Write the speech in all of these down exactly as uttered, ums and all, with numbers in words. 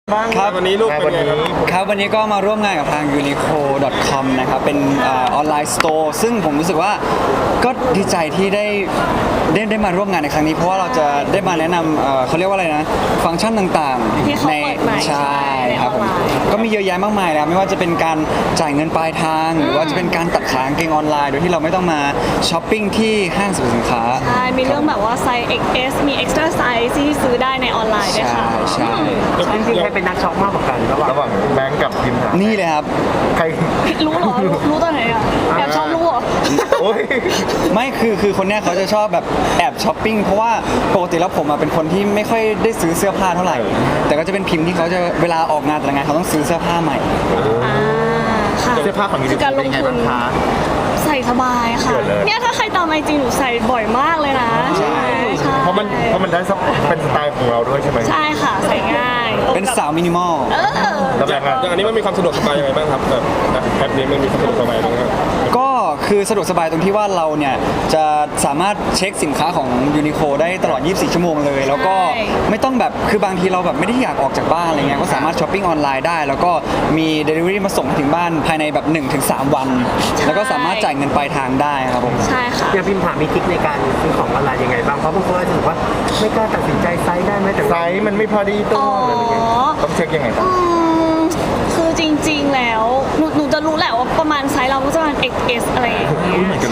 บ้างครับวันนี้ลูกเป็นไงครับครับวันนี้ก็มาร่วมงานกับทาง ยูนิโค ดอท คอม นะครับเป็นออนไลน์สโตร์ซึ่งผมรู้สึกว่าก็ดีใจที่ได้ได้ได้มาร่วมงานในครั้งนี้เพราะว่าเราจะได้มาแนะนำเอ่อเขาเรียกว่าอะไรนะฟังก์ชันต่างที่เขาๆในเปิดใหม่ใช่ครับผมก็มีเยอะแยะมากมายแล้วไม่ว่าจะเป็นการจ่ายเงินปลายทาง หรือว่าจะเป็นการตัดขากางเกงออนไลน์โดยที่เราไม่ต้องมาช้อปปิ้งที่ห้างสรรพสินค้าใช่ มีเรื่องแบบว่าไซส์ เอ็กซ์ เอส มี extra size ที่ซื้อได้ในออนไลน์ด้วยค่ะใช่ใช่จริงๆใครเป็นนักช็อปมากกว่ากันระหว่างระหว่างแบงก์กับพิมพ์นี่เลยครับใครรู้เหรอ รู้รู้ตอนไหนอ่ะแอบชอบรู้เหรอโอ้ยไม่คือคือคนเนี้ยเขาจะชอบแบบแอบช้อปปิ้งเพราะว่าปกติแล้วผมอะเป็นคนที่ไม่ค่อยได้ซื้อเสื้อผ้าเท่าไหร่ แต่ก็จะเป็นพิมพ์ที่เขาจะเวลาออกงานแต่ละงานเขาต้องซื้อเสื้อผ้าใหม่อ่า ค่ะเสื้อผ้าของยูนิคืโคการลเป็นงยังไงทุบ้าน งคะใส่สบายค่ะเกิดเลยเนี่ยถ้าใครตามไอจีหนูใส่บ่อยมากเลยนะ ใช่ไหมใช่เพราะมันเพราะมันได้สักเป็นสไตล์ของเราด้วยใช่ไหมใช่ค่ะ ใส่ง่ายเป็นสาวมินิมอลเออแล้วแบงก์อะอย่างอันนี้มันมีความสะดวกสบายยังไงบ้างครับแบบแอปนี้มันมีความสะดวกสบายยังไงบ้างครับก็คือสะดวกสบายตรงที่ว่าเราเนี่ยจะสามารถเช็คสินค้าของยูนิโคได้ตลอด ยี่สิบสี่ ชั่วโมงเลย แล้วก็ไม่ต้องแบบคือบางทีเราแบบไม่ได้อยากออกจากบ้านอะไรเงี้ยก็สามารถช้อปปิ้งออนไลน์ได้ แล้วก็มี Delivery มาส่งถึงบ้านภายในแบบ หนึ่งถึงสาม วัน แล้วก็สามารถจ่ายเงินปลายทางได้ครับผมใช่ค่ะอย่างพิมพ์ถามมีทริคในการซื้อของออนไลน์ยังไงบ้างเพราะบางคนอาจจะบอกว่าไม่กล้าตัดสินใจไซส์ได้ไหมแต่ไซส์มันไม่พอดีตัวอ๋ออะไรอย่างเงี้ยต้องเช็คยังไงครับอืมคือจริงๆ แล้วหนูหนูจะรู้แหละว่าประมาณไซส์เราก็จะประมาณ เอ็กซ์ เอส อะไรอย่างเงี้ย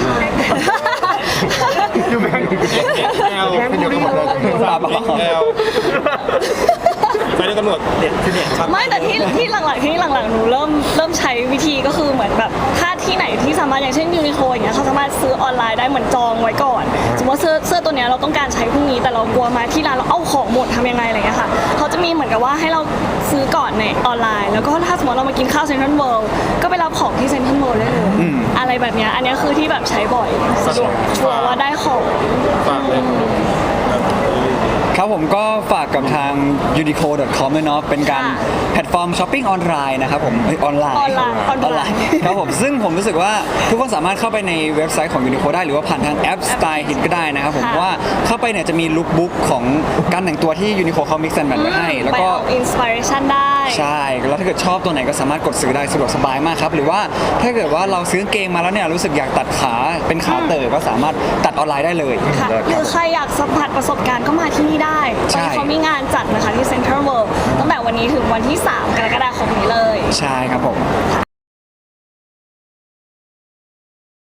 อยู่แบงก์แอลแบงค์บุรีเลยปลาปลาแอลไปด้วยกันหมดเด็ดคือเด็ดครับไม่แต่ที่ที่หลังๆที่หลังๆหนูเริ่มเริ่มใช้วิธีก็คือเหมือนแบบถ้าที่ไหนที่สามารถอย่างเช่นยูนิโคอย่างเงี้ยเขาสามารถซื้อออนไลน์ได้เหมือนจองไว้ก่อน สมมติว่าเสื้อเสื้อตัวเนี้ยเราต้องการใช้พรุ่งนี้แต่เรากลัวมาที่ร้านเราเอาของหมดทำยังไงอะไรเงี้ยค่ะเขาจะมีเหมือนกับว่าให้เราซื้อก่อนในออนไลน์ แล้วก็ถ้าสมมติเรามากินข้าวเซ็นทรัลเวิลด์ก็ไปรับของที่เซ็นทรัลเวิลด์ได้เลยอะไรแบบเนี้ยอันเนี้ยคือที่แบบใช้บ่อยสะดวกชัวร์ว่าได้ของฝากเลยครับผมก็ฝากกับทาง ยูนิโค ดอท คอม ด้วยเนาะเป็นการค่ะแพลตฟอร์มช้อปปิ้งออนไลน์นะครับผมเอ้ยออนไลน์ออนไลน์ออนไลน์ครับผมซึ่งผมรู้สึกว่าทุกคนสามารถเข้าไปในเว็บไซต์ของ ยูนิโค ได้หรือว่าผ่านทางแอป Style Hit ก็ได้นะครับผมค่ะเพราะว่าเข้าไปเนี่ยจะมีลุคบุ๊กของการแต่งตัวที่ ยูนิโค เขา mix and match ไว้ให้ แล้วไปก็เอาอินสปิเรชันได้ใช่ แล้วถ้าเกิดชอบตัวไหนก็สามารถกดซื้อได้สะดวกสบายมากครับ หรือว่าถ้าเกิดว่าเราซื้อเกงมาแล้วเนี่ยรู้สึกอยากตัดขาเป็นขาเต๋อก็สามารถตัดออนไลน์ได้เลยค่ะหรือใครอยากสัมผัสประสบการณ์ก็มาที่นี่ได้ตใช่อนนี้เขามีงานจัดนะคะที่เซ็นทรัลเวิลด์ตั้งแต่วันนี้ถึงวันที่ สาม กรกฎาคมนี้เลยใช่ครับผม